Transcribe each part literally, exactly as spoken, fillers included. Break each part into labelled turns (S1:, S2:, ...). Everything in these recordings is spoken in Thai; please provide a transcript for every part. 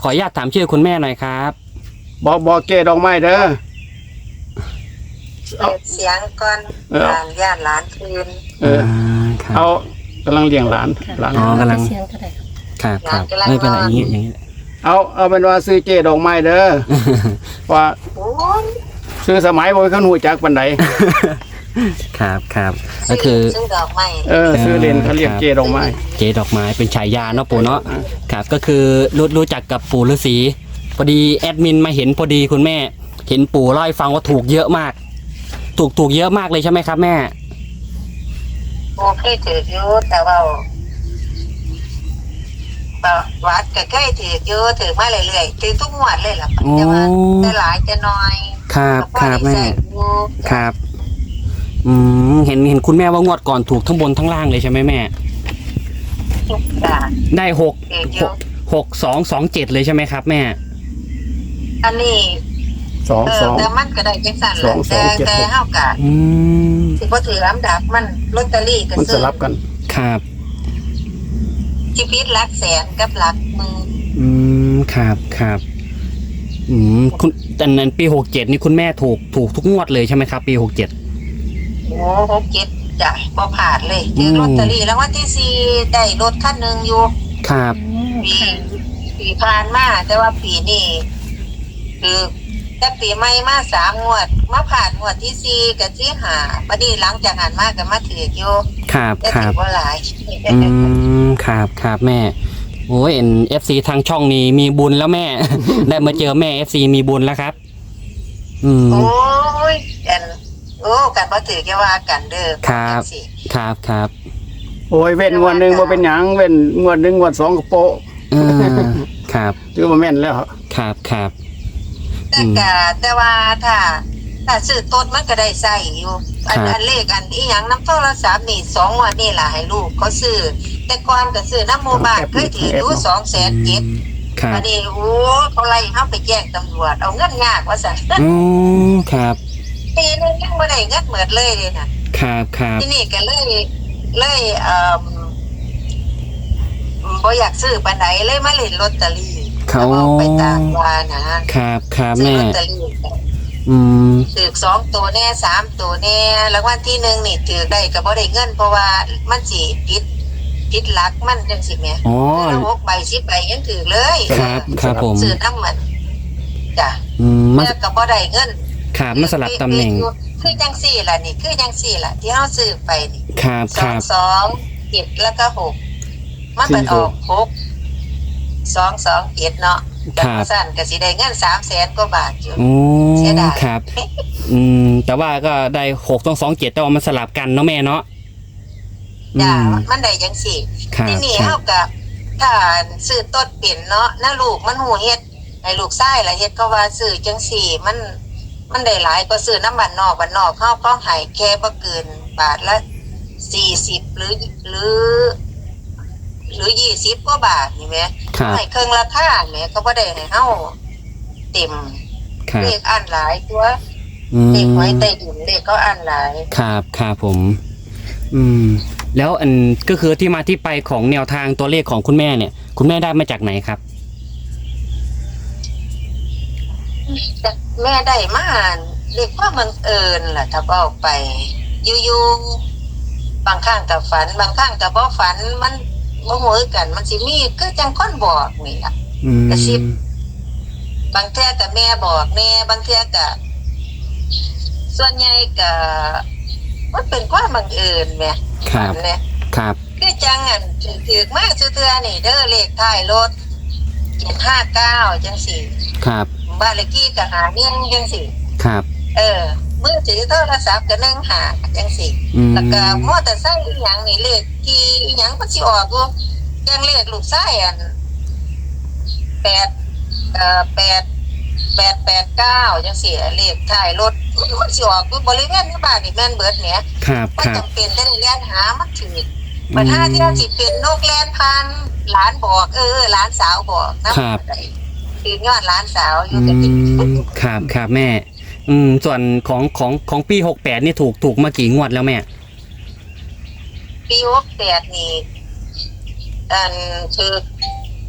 S1: ขออนุญาตถามชื่อคุณแม่หน่อยครับ
S2: บอกบอกเกดอกไม้เด้อเอา
S3: เสียงก่อนหลานญาติหลานคืน
S2: เออเอากำลังเลี้ยงหลานหลาน
S1: อ๋อกำลัง
S4: เสียงก็ได้
S1: ครับครับไม่เป็นไรอย่างนี้อย่างนี้
S2: เอาเอาเป็นว่าซื้อเจดอกไม้เด้อว่าซื้อสมัยบ่เขาหูจักปานใด
S1: ครับครับก็คือ
S3: ซื้อดอกไม้
S2: เออซื้อเล่นเขาเรียกเจดอกไม้
S1: เจดอกไม้เป็นฉายาเนาะปู่เนาะครับก็คือรู้รู้จักกับปู่ฤาษีพอดีแอดมินมาเห็นพอดีคุณแม่เห็นปู่เล่าให้ฟังว่าถูกเยอะมากถูกถูกเยอะมากเลยใช่ไหมครับแม่
S3: โอเคถืออยู่แต่ว่าวัดก็เคยถืออยู่ถือมาเรื่อยๆถือทุกงวดเลยล่ะแต่ว่าจะหลายจะน้อย
S1: ครับครับแม่ครับอืมเห็นเห็นคุณแม่ว่างวดก่อนถูกทั้งบนทั้งล่างเลยใช่ไหมแม่ได้หกหกหกสองสองเจ็ดเลยใช่ไหมครับแม่
S3: อันนี้
S2: สองสอง
S3: แต่มันก็ได้จังสั่นแหละแต่แต่เฮากะ
S1: อืม
S3: สิบ่ถือลำดับมันลอตเตอรี่ก็
S2: ซื้อมันสลับกัน
S1: ครับ
S3: ชีวิตหลักแสนกับหลักหมื่น
S1: อืมครับครับอืมคุณแต่นั้นปีหกเจ็ดนี่คุณแม่ถูกถูกทุกงวดเลยใช่ไหมครับปีหกเจ็ด
S3: โอ้หกเจ็ดจ้ะบ่ผ่านเลยถือลอตเตอรี่แล้ววันที่สี่ได้รถคันหนึ่งอยู่
S1: ครับ
S3: ปีปีผ่านมาแต่ว่าปีนี้คือแต่ปีใหม่มาสามงวดมาผ่านงวดที่สี่กับที่ห้าบัดนี้หลังจากหันมาก็มาถืออยู่
S1: ครับครับ
S3: บ่หลาย
S1: อืมครับครับแม่โอ้ยเอ็นเอฟซีทางช่องนี้มีบุญแล้วแม่ ได้มาเจอแม่เอฟซีมีบุญแล้วครับอืม
S3: โอ้ยกันโอ้กันบ่ถือแค่ว่ากันเด้อ
S1: ครับครับครับ
S2: โอ้ยเว้นงวดหนึ่งบ่เป็นหยังเว้นงวดหนึ่งงวดสองก็โปะ
S1: ครับ
S2: ถือว่าแม่นแล้ว
S1: ครับครับ
S3: แต่กะแต่ว่าถ้าถ้าซื้อต้นมันก็ได้ใส่อยู่อันอันเลขอันอีหยังน้ำโทรศัพท์นี่สองวันนี่ล่ะให้ลูกเขาซื้อแต่ก่อนก็ซื้อน้ำโมบายเคยถืออยู่สองแสนเจ็ดอันนี้โอ้เขาไล่เขาไปแจ้งตำรวจเอาเงินยากว่าสั่น
S1: อืมครับ
S3: ปีนึงยังไม่ได้เงินเหมือนเลยเลยนะครับ
S1: ครับ
S3: ที่นี่ก็เลยเลยเอ่อบ่อยากซื้อปานไหนเลยมาเล่นลอตเตอรี่
S1: เขา
S3: ไปตามว่านะครับ
S1: ครับแม่
S3: อืมถือสองตัวแน่สามตัวแน่แล้ววันที่หนึ่งนี่ถือได้ก็บ่ได้เงินเพราะว่ามันสิผิดผิดหลักมันจังสิแม่
S1: อ๋อ
S3: หกใบสิบใบยังถือเลย
S1: ครับครับผม
S3: ซื้อน้ำมันจ้ะ
S1: อืมมัน
S3: ก็บ่ได้เงิน
S1: ครับมันสลับตำแหน่ง
S3: คือจังสี่ล่ะนี่คือจังสี่ล่ะที่เฮาซื้อไปนี่
S1: ครับครับ
S3: สองเจ็ดแล้วก็หกมันเป็นออกหกสองสองเจ็ดเนาะ
S1: ครับ
S3: สั้นก็สิได้เงินสามแสนกว่าบาทอยู่
S1: เสียดายครับอืมแต่ว่าก็ได้หกต้องสองเจ็ดแต่ว่ามันสลับกันเนาะแม่เนาะ
S3: จ้ามันได้ยังสี่ที่นี่เท่ากับถ้าซื้อต้นเปลี่ยนเนาะน้าลูกมันหูเฮ็ดไอ้ลูกไส้ละเฮ็ดก็ว่าซื้อจังสี่มันมันได้หลายก็ซื้อน้ำบันนอกบันนอกเข้าก็หายแค่บ่เกินบาทละสี่สิบหรือหรือหรือยี่สิบกว่าบาทนี่ไหมให้เครื่องราคาแม่ก็บ่ได้ให้เฮาเต็มเลขอ่านหลายตัวเลขไว้ใต้ดินเลขก็อ่านหลาย
S1: ครับครับผมอืมแล้วอันก็คือที่มาที่ไปของแนวทางตัวเลขของคุณแม่เนี่ยคุณแม่ได้มาจากไหนครับ
S3: แม่ได้มาเรียกว่าบังเอิญล่ะถ้าบอกไปอยู่ๆบางครั้งกับฝันบางครั้งกับบ่ฝันมันบ่ฮู้กันมันสิมีคือจังคนบอกนี่ล่ะกระซิบบางเทื่อก็แม่บอกแน่บางเทื่อก็ส่วนใหญ่ก็มันเป็นความบังเอิญแม่
S1: ครับ
S3: เนี่ย
S1: ครับ
S3: คือจังอันถือมากซื่อเทื่อนี่เด้อเลขท้ายรถเจ็ดห้าเก้าจังสี่
S1: ครับ
S3: บ้านเลขที่ก็หาเงี้ยจังสี่
S1: ครับ
S3: เออมือถือโทรศัพท์ก็นั่งหาจังสี่แล้วก็มอเตอร์ไซค์อีหยังนี่เลขที่อีหยังมันสิออกบ่จังเลขลูกชายอันแปดเอ่อแปดแปดแปดเก้าจังสี่เลขท้ายรถมันสิออกบริเวณในบ้านนี่แม่นเบิดเนี่ย
S1: ครับ
S3: ก็จำเป็นได้เรียนหามันถือปัญหาที่สิเป็นนกแลนพันหลานบอกเออหลานสาวบอกนะครับคือยอดหลานสาวอยู่กัน
S1: ครับครับแม่อืมส่วนของของของปีหกแปดนี่ถูกถูกมากี่งวดแล้วแม่
S3: ปีหกแปดนี่อันคือ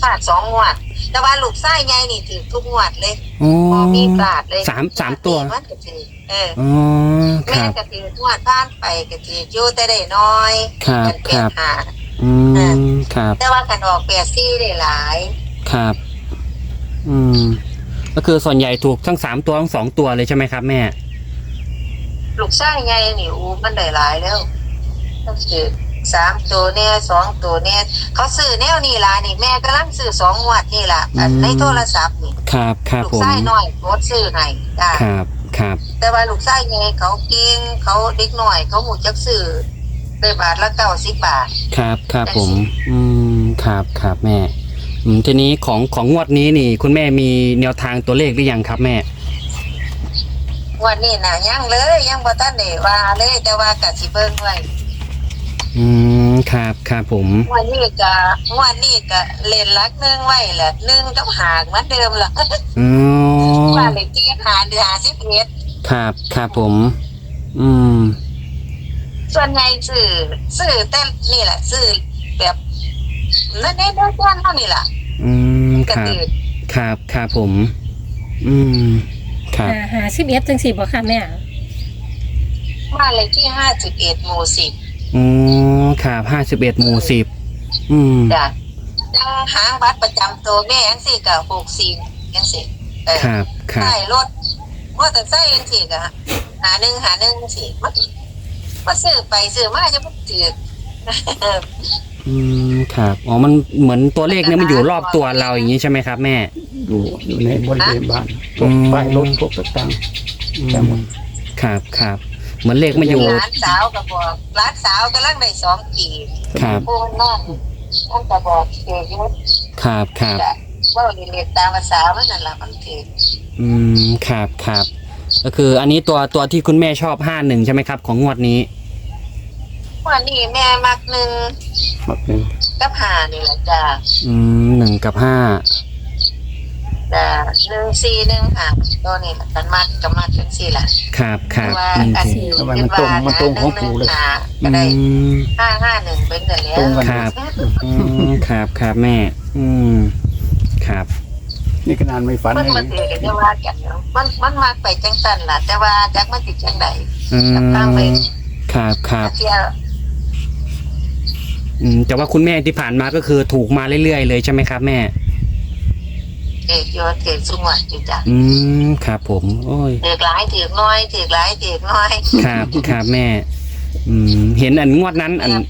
S3: พลาดสองงวด แต่ว่าลูกไส้ใหญ่นี่ถือทุกงวดเลย
S1: อ๋อ
S3: พอมีพลาดเลย
S1: สามสามตัว
S3: มันก็ถือเออ
S1: อ๋อค
S3: แม่
S1: รับ
S3: ก็ถืองวดผ่านไปก็ถืออยู่แต่ได้น้อย
S1: ครับ
S3: กัน
S1: ค
S3: เปลี่ย
S1: รั
S3: น
S1: บ
S3: หา
S1: อืมครับ
S3: แต่ว่ากันออกแปดซี่ได้หลาย
S1: ครับ อืม ก็คือส่วนใหญ่ถูกทั้งสามตัวทั้งสองตัวเลยใช่ไหมครับแม่
S3: ลูกไส้ใหญ่นี่อูมันได้หลายแล้วต้องถือสามตัวเนี่ยสองตัวเนี่ยเขาซื้อแนวนี่ล่ะนี่แม่กำลังซื้อสองงวดนี่ล่ะอัน
S1: อืม
S3: ในโทรศัพท์นี่
S1: ครับครับ
S3: ลูก
S1: ผม
S3: ไส้น้อยโพสต์ซื้อให้จ้า
S1: ครับครับ
S3: แต่ว่าลูกไส้ไงเขาเก่งเขาเด็กหน่อย เขาหูจักซื้อได้บาทละเก้าสิบบาท
S1: ครับครับผม อืมครับครับแม่ อืมทีนี้ของของงวดนี้นี่ คุณแม่มีแนวทางตัวเลขหรือยังครับแม่
S3: วันนี้นะยังเลยยังบ่ทันได้ว่าเลยแต่ว่ากะสิเบิ่งไว้
S1: อืมครับครับผม
S3: วันนี้ก็วันนี้ก็เล่นลักหนึงไว้แหละหนึ่งกับหางเหมือนเดิมล่ะ
S1: อ๋อ
S3: ว่าเลยที่หาเดือนหาสิบเอ็ด
S1: ครับครับผม อืม
S3: ส่วนใหญ่ซื้อซื้อแต่นี่แหละซื้อแบบนั่นนี่ด้วยกันเท่านี้ล่ะ
S1: อืม
S3: ก
S1: ค
S3: ระ
S1: รับ
S3: ตือ
S1: ครับครับผม อืมครับ
S4: หาหาสิบเอ็ดจังสี่บ่ค่ะแม่
S3: บ้านเลขที่ห้าสิบเอ็ดหมู่สิบ
S1: อ๋อครับห้าสิบเอ็ดหมู่สิบอืม
S3: จ้ะยังหางบัตรประจำตัวแม่ยังสี่กับหกสี่ยังสี่เออ
S1: ครับครับ
S3: ใช่รถมอเตอร์ไซค์ยังสี่กับหาหนึ่งหาหนึ่งสี่มันมาซื้อไปซื้อมาจะมันจืด
S1: อืมครับอ๋อมันเหมือนตัวเลขเนี่ยมันอยู่รอบตัวเราอย่างนี้ใช่ไหมครับแม่
S2: อยู่อยู่ในบริเวณบ้านพว
S1: อื
S2: ก
S1: ม
S2: ป้ายรถพวกต่าง
S1: อื
S2: แต่หม
S1: ม
S2: ด
S1: ครับครับเหมือนเลขมาอยู่
S3: ร้านสาวก็บอกร้านสาวกำลังได้สองปี
S1: ครับ
S3: พูดนั่นมันก็บอกเกิดยุทธ
S1: ครับครับ
S3: ว่าเรียนตามภาษามันนั่นแหละมันถือ
S1: อืมครับครับก็คืออันนี้ตัวตัวที่คุณแม่ชอบห้าหนึ่งใช่ไหมครับ ของงวดนี้
S3: วันนี้แม่มักหนึ่ง
S2: ๆมักหนึ่ง
S3: กับหานี่แหละจ้า
S1: อืมหนึ่งกับห้า
S3: จ้าหนึ่งสี่หนึ่งหาตัวนี้แหละกันมักกับมักจังสี่แหละ
S1: ครับครับ
S3: ว่า
S1: หนึ่ง
S3: อัน
S1: สี่
S3: นี้
S2: ทำไมมันตรงมันตรงของปู่เลย
S3: ก็ได้
S1: อืม
S3: ห้าห้าหนึ่งเป็นกันแล้ว
S2: ตรงกัน
S1: ครับ อืมครับครับแม่ อืมครับ
S2: นี่ขนาดไม่ฝัน
S3: มัน
S2: ให้
S3: มันถือกันจะว่ากันเนาะมันมันมักไปจังสันล่ะแต่ว่าจักมันติดจังใด
S1: อืม
S3: กับทางไป
S1: ครับครับ
S3: เที่ยว
S1: อืมแต่ว่าคุณแม่ที่ผ่านมาก็คือถูกมาเรื่อยๆเลยใช่ไหมครับแม่
S3: เอกโยเอกสุงวัดอยู่จ้ะ
S1: อืมครับผมโอ้ย
S3: ถือหลายถือน้อยถือหลายถือน้อย
S1: ครับครับแม่ อืมเห็นอันงวดนั้นอัน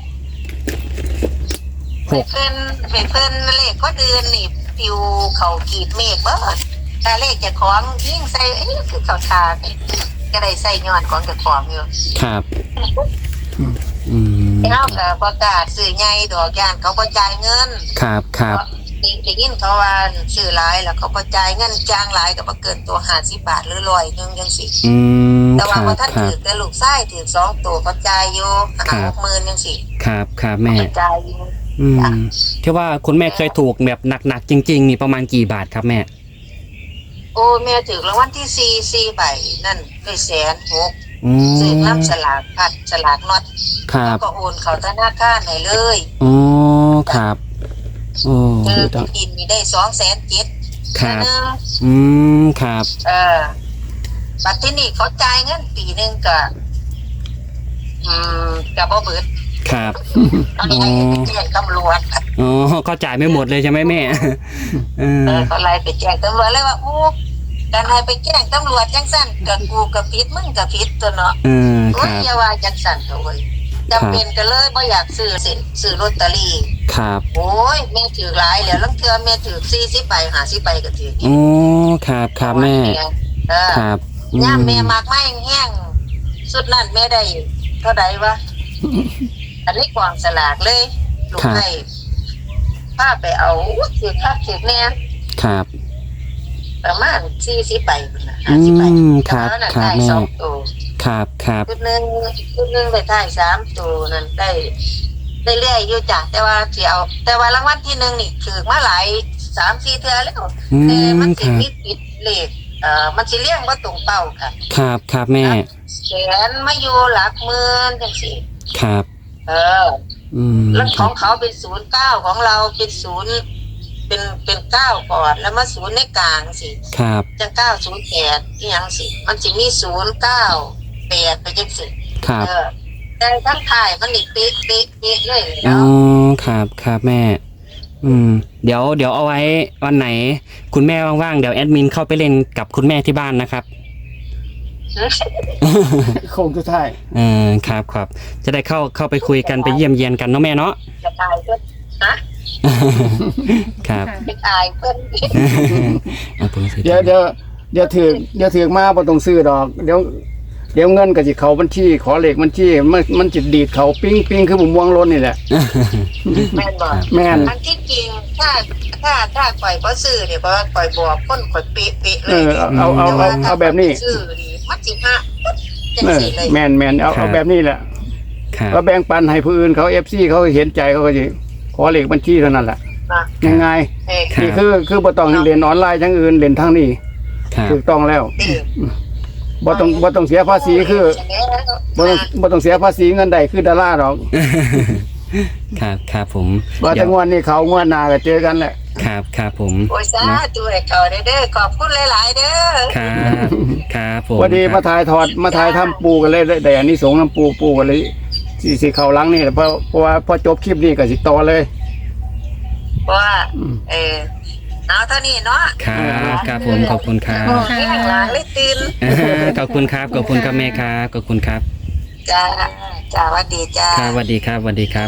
S3: ไปเพิ่นไปเพิ่นเลขก็เดือนนี่ปิวเขากีดเมฆเบิดแต่เลขเจะของยิ่งใส่เอ้ยคือเขาทางก็ได้ใส่ย้อนของเจะของอยู่
S1: ครับ อืม
S3: เฮาก็ประกาศซื้อใหญ่ดอกย่านเขาบ่จ่ายเงิน
S1: ครับครับ
S3: ได้ยินเขาว่าซื้อหลายแล้วเขาบ่จ่ายเงินจ้างหลายก็บ่เกินตัวห้าสิบบาทหรือร้อยหนึงจังซี่
S1: อืม
S3: แต่
S1: ค
S3: ว่า
S1: รับ
S3: บ่ทัน
S1: ครั
S3: ถื
S1: บ
S3: อแต่ลูกชายถือสองตัวเขาจ่ายอยู่
S1: ครั
S3: ห้า
S1: บ
S3: หกหมื่นจังซี่
S1: ครับครับแม่
S3: เขาจ่ายอยู่
S1: อืมที่ว่าคุณแม่เคยถูกแบบหนักๆจริงๆนี่ประมาณกี่บาทครับแม่
S3: โอ้แม่ถือรางวัลที่สี่ สี่ใบนั่นได้แสนหก
S1: อืม
S3: ซื้อน้ำสลากพัดสลากน็อต
S1: ครั
S3: แล้
S1: บ
S3: วก็โอนเขาธนาคารให้เลย
S1: อ๋อครับโอ้
S3: เออดินมีได้สองแสนเจ็ด
S1: ครับ
S3: นึง
S1: อืมครับ
S3: เออบัตรที่นี่เขาจ่ายเงินปีหนึ่งก็อืมกับบ่เบิด
S1: ครับ
S3: เขาให้ไปแจ้งตำรวจ
S1: อ๋อเขาจ่ายไม่หมดเลยใช่ไหมแม่ เออ
S3: เออเขาไล่ไปแจ้งตำรวจเลยว่าอู้การให้ไปแจ้งตำรวจจังสั่นกับกูกับผิดมึงกับผิดตัวเนาะ
S1: เออค
S3: โอ้ย
S1: รับ
S3: อย่าว่าจังสั่นเถอะเว้ยจำเป็นก็เลยบ่อยากซื้อสิซื้อลอตเตอรี่
S1: ครับ
S3: โอ้ยแม่ถือหลายแล้วลังเทื่อแม่ถือสี่สิบใบห้าสิบใบก็ถือ
S1: อ๋อครับครับแม่
S3: เออ
S1: ครับอื
S3: ย่ามแม่มากไม่แห้งสุดนั่นแม่ได้เท่าใดวะอันนี้กวางสลากเลยลูกให้พาไปเอาถือคักถือแน่
S1: ครับ
S3: ประมาณสี่สิบใบพุ่นน่ะ
S1: อื
S3: ห้าสิบใบ
S1: มครับ
S3: แล้วนั่น
S1: ครับ
S3: ได้
S1: แม่
S3: สองตัว
S1: ครับครับ
S3: ชุดหนึ่งชุดหนึ่งไปถ่ายสามตัวนั่นได้ได้เรื่อยอยู่จ้ะแต่ว่าสิเอาแต่ว่ารางวัลที่หนึ่งนี่ถือมาหลายสามสี่เทื่อแล้ว
S1: อื
S3: แต่มั
S1: ม
S3: น
S1: ค
S3: สิ
S1: รับ
S3: มีปิดเลขเอ่อมันสิเลี้ยงว่าตรงเป้าค่ะ
S1: ครับครับแม่
S3: แขนมาอยู่หลักหมื่นจังสิ
S1: ครับ
S3: เออ
S1: อืม
S3: แล้ว
S1: ค
S3: ข
S1: รั
S3: อบ งเขาเป็นศูนย์เก้าของเราเป็นศูนย์เป็นเป็นเก้าก่อนแล้วมาศูนย์ในกลางสิ
S1: ครับ
S3: จังเก้าศูนย์แปดอีหยังสิมันสิมีศูนย์เก้าแปดไปจังสิ
S1: ครับ
S3: เออแต่ทั้งถ่ายมันนี่เป๊ะเป๊ะเป๊ะเลย
S1: อ๋อ
S3: เนาะ
S1: ครับครับแม่ อืม เดี๋ยวเดี๋ยวเอาไว้วันไหน คุณแม่ว่างๆเดี๋ยวแอดมินเข้าไปเล่นกับคุณแม่ที่บ้านนะครับ
S2: โค้งสุดท้าย
S1: เออครับครับจะได้เข้าเข้าไปคุยกันไปเยี่ยมเยียนกันเนาะแม่เนาะ
S3: จะตายเพิ่นฮะ
S1: ครับ
S4: ค่ะ
S3: จะตายเพิ่น
S1: เอาผมสิ
S2: เดี๋ยวเดี๋ยวเดี๋ยวถือเดี๋ยวถือมาบ่ต้องซื้อดอกเดี๋ยวเดี๋ยวเงินก็สิเข้าบัญชีขอเลขบัญชีมันมันจิดีดเขาปิ้งปิ้งคือผมม่วงล้นนี่แหละ
S3: แม่นบ่
S2: แม่น
S3: อันที่จริงถ้าถ้าถ้าปล่อยบ่ซื้อเนี่ยเพราะว่าปล่อยบอกคนข่อยเป๊ะเป๊ะเล
S2: เอย อเอาเอาเอาเอาเอาแบบนี้
S3: ซื้อนี่มันสิฮะจัง
S2: เออ
S3: สิเลย
S2: แม่นแม่นเอาเอาแบบนี้แหละ
S1: ครับ
S2: ก็แบ่งปันให้ผู้อื่นเขา เอฟ ซี เขาเห็นใจเขาก็สิขอเลขบัญชีเท่านั้นแหละ
S3: นะ
S2: ง่าย
S3: เออ
S1: ครับ
S2: ๆนี่คือคือบ่ต้องเรียนออนไลน์ทั้งอื่นเรียนทางนี้
S1: ครับ
S2: ถูกต้องแล้ว
S3: เออ
S2: บ่ต้องบ่ต้องเสียภาษีคือบ่ต้องบ่ต้องเสียภาษีเงินใดคือดาราดอก
S1: ครับครับผม
S2: ว่า
S1: เดี๋
S2: แต่
S1: ยว
S2: งวดนี้เขางวดหน้าก็เจอกันแหละ
S1: ครับครับผม
S3: โอ้ยสาธุให้เขาเด้อเด้อขอบคุณหลายๆเด้อ
S1: ครับครับผม
S2: พอดี
S1: ค
S2: มา
S1: รับ
S2: ถ่ายทอดมาถ่ายทำปูกันเลยได้ได้อันนี้สงส์น้ำปูปูกันเลยสิสิเข้าหลังนี่แหละเพราะเพราะว่าพอจบคลิปนี้ก็สิต่อเลย
S3: เพราะว่าเออเอาเท่านี้เนาะ
S1: ครับครับผมขอบคุณครับ
S3: โอ้ยข้างหลังเลยตื่น
S1: ขอบคุณครับขอบคุณครับแม่ครับขอบคุณครับ
S3: จ้าจ้าหวัดดีจ้า
S1: ครับสวัสดีครับสวัสดีครับ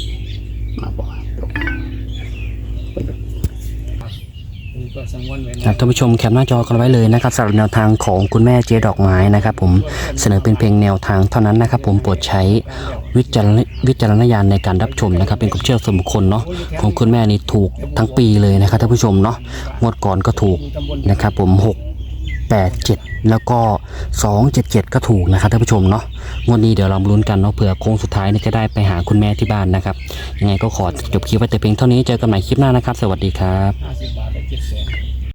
S1: ครับท่านผู้ชมแคปหน้าจอกันไว้เลยนะครับสำหรับแนวทางของคุณแม่เจ๊ดอกไม้นะครับผมเสนอเป็นเพียงแนวทางเท่านั้นนะครับผมโปรดใช้วิจารณวิจารณญาณในการรับชมนะครับเป็นความเชื่อส่วนบุคคลเนาะของคุณแม่นี่ถูกทั้งปีเลยนะครับท่านผู้ชมเนาะงวดก่อนก็ถูกนะครับผมหกแปดเจ็ดแล้วก็สองเจ็ดเจ็ดก็ถูกนะครับท่านผู้ชมเนาะงวดนี้เดี๋ยวเรามาลุ้นกันเนาะเผื่อโค้งสุดท้ายเนี่ยจะได้ไปหาคุณแม่ที่บ้านนะครับยังไงก็ขอจบคลิปไว้แต่เพียงเท่านี้เจอกันใหม่คลิปหน้านะครับ สวัสดีครับ
S2: ห้าสิบบาทได้เจ็ดแสน